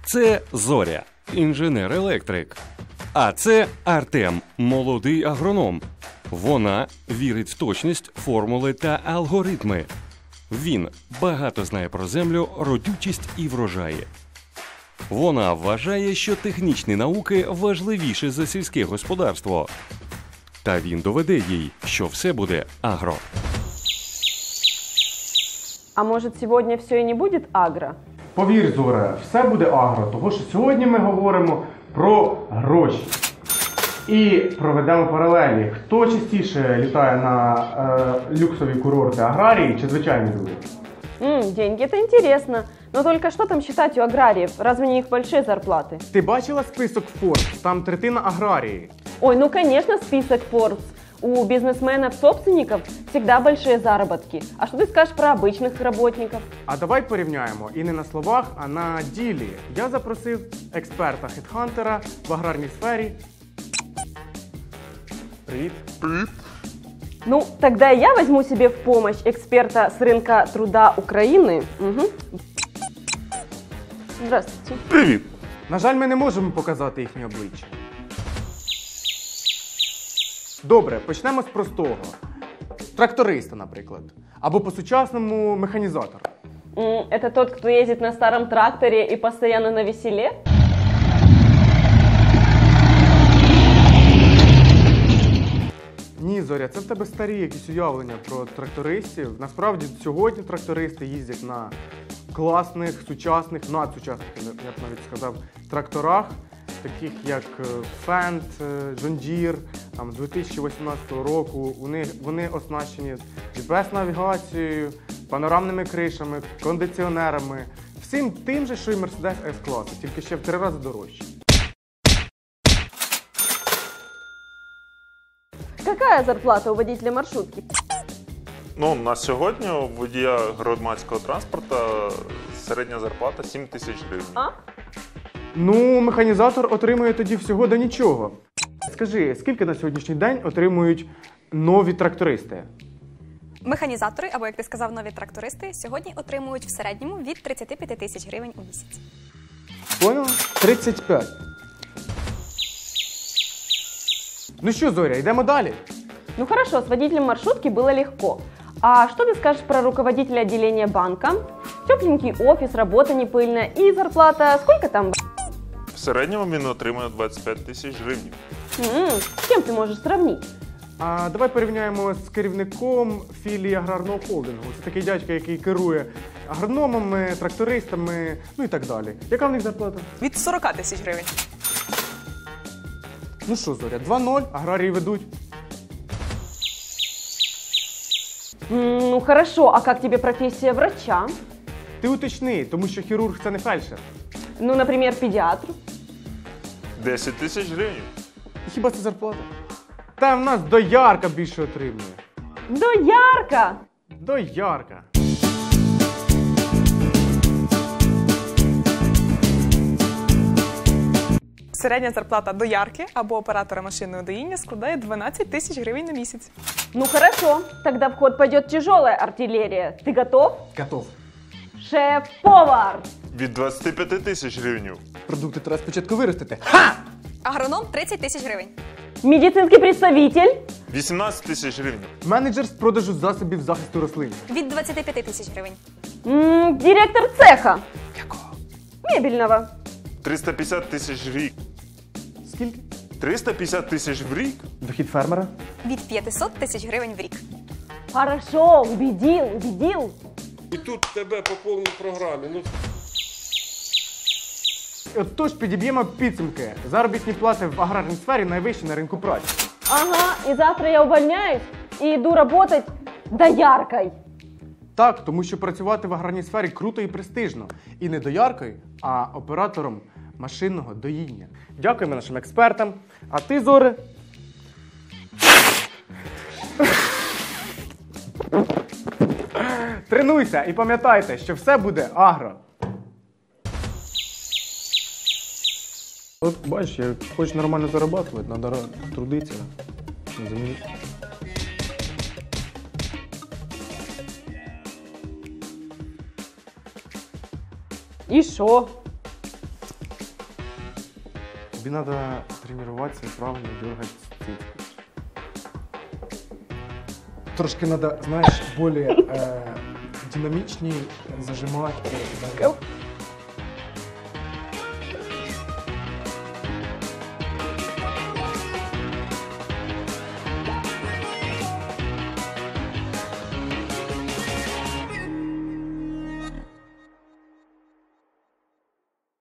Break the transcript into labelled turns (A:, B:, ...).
A: Це Зоря, інженер-електрик. А це Артем, молодий агроном. Вона вірить в точність, формули та алгоритми. Він багато знає про землю, родючість і врожаї. Вона вважає, що технічні науки важливіші за сільське господарство. Та він доведе їй, що все буде агро.
B: А может, сегодня все и не будет агро?
C: Повір, Зоре, все буде агро, тому що сьогодні ми говоримо про гроші. І проведемо паралелі. Хто частіше літає на люксові курорти, аграрії чи звичайні люди?
B: Деньги, это интересно. Но только что там считать у аграриев? Разве не их большие зарплаты?
C: Ти бачила список Forbes? Там третина аграрії.
B: Ой, ну конечно, список Forbes. У бизнесменов-собственников всегда большие заработки. А что ты скажешь про обычных работников?
C: А давай порівняємо і не на словах, а на ділі. Я запросив експерта-хедхантера в аграрній сфері. Привіт.
B: Ну, тогда я возьму себе в помощь эксперта с рынка труда Украины. Угу. Здравствуйте.
A: Привіт!
C: На жаль, ми не можемо показати їхні обличчя. Добре, почнемо з простого. Тракториста, наприклад. Або по-сучасному механізатора.
B: Это тот, кто ездит на старом тракторе и постоянно на веселе?
C: Ні, Зоря, це в тебе старі якісь уявлення про трактористів. Насправді, сьогодні трактористи їздять на класних, сучасних, надсучасних, я б навіть сказав, тракторах, таких як Fendt, John Deere, там, 2018 року. Вони оснащені GPS-навігацією, панорамними кришами, кондиціонерами. Всім тим же, що і Mercedes S-класу, тільки ще в 3 рази дорожче.
B: Какая зарплата у водителя маршрутки?
D: Ну, на сьогодні у водія громадського транспорту середня зарплата 7 тисяч гривень.
B: А?
C: Ну, механізатор отримує тоді всього до нічого. Скажи, скільки на сьогоднішній день отримують нові трактористи?
E: Механізатори, або, як ти сказав, нові трактористи, сьогодні отримують в середньому від 35 тисяч гривень у місяць.
C: Поняла? 35. Ну що, Зоря, йдемо далі?
B: Ну хорошо, с водителем маршрутки было легко. А что ты скажешь про руководителя отделения банка? Тепленький офис, работа не пыльная и зарплата сколько там?
D: В середньому він отримує 25 тисяч гривень.
B: С кем ты можешь сравнить?
C: А давай порівняємо з керівником філії аграрного холдингу. Це такий дядько, який керує агрономами, трактористами, ну і так далі. Яка в них зарплата?
F: Від 40 тисяч гривень.
C: Ну що, Зоря, 2-0, аграрії ведуть.
B: Ну хорошо, а как тебе профессия врача?
C: Ти уточни, тому що хірург – це не фельдшер.
B: Ну, например, педиатр?
D: 10 тисяч гривень.
C: І хіба це зарплата? Та в нас доярка більше отримує.
B: Доярка!
C: Доярка.
F: Середня зарплата доярки або оператора машинного доїння складає 12 тисяч гривень на місяць.
B: Ну хорошо, тогда в ход пойдет тяжелая артиллерия. Ты готов?
C: Готов.
B: Шеф-повар!
D: Від 25 тисяч гривень.
C: Продукти треба спочатку виростити.
E: Агроном 30 тисяч гривень.
B: Медицинский представитель?
D: 18 тисяч гривень.
C: Менеджер з продажу засобів захисту рослин.
E: Від 25 тисяч гривень.
B: Директор цеха?
C: Якого?
B: Мебельного.
D: 350 тисяч в рік.
C: Скільки?
D: 350 тисяч в рік?
C: Дохід фермера?
E: Від 500 тисяч гривень в рік.
B: Хорошо, убедил.
G: І тут тебе по повній програмі. Ну,
C: Отож, підіб'ємо підсумки. Заробітні плати в аграрній сфері найвищі на ринку праці.
B: Ага, и завтра я увольняюсь и иду работать дояркой.
C: Так, тому що працювати в аграрній сфері круто і престижно. І не дояркою, а оператором машинного доїння. Дякуємо нашим експертам. А ти, Зоре? Тренуйся і пам'ятайте, що все буде агро. От бачиш, я хочу нормально зарабатувати, треба трудитися на землі.
B: И шо?
C: Тобі треба тренуватися і правильно дергати цицьку. Трошки треба, знаєш, більш динамічні зажимати.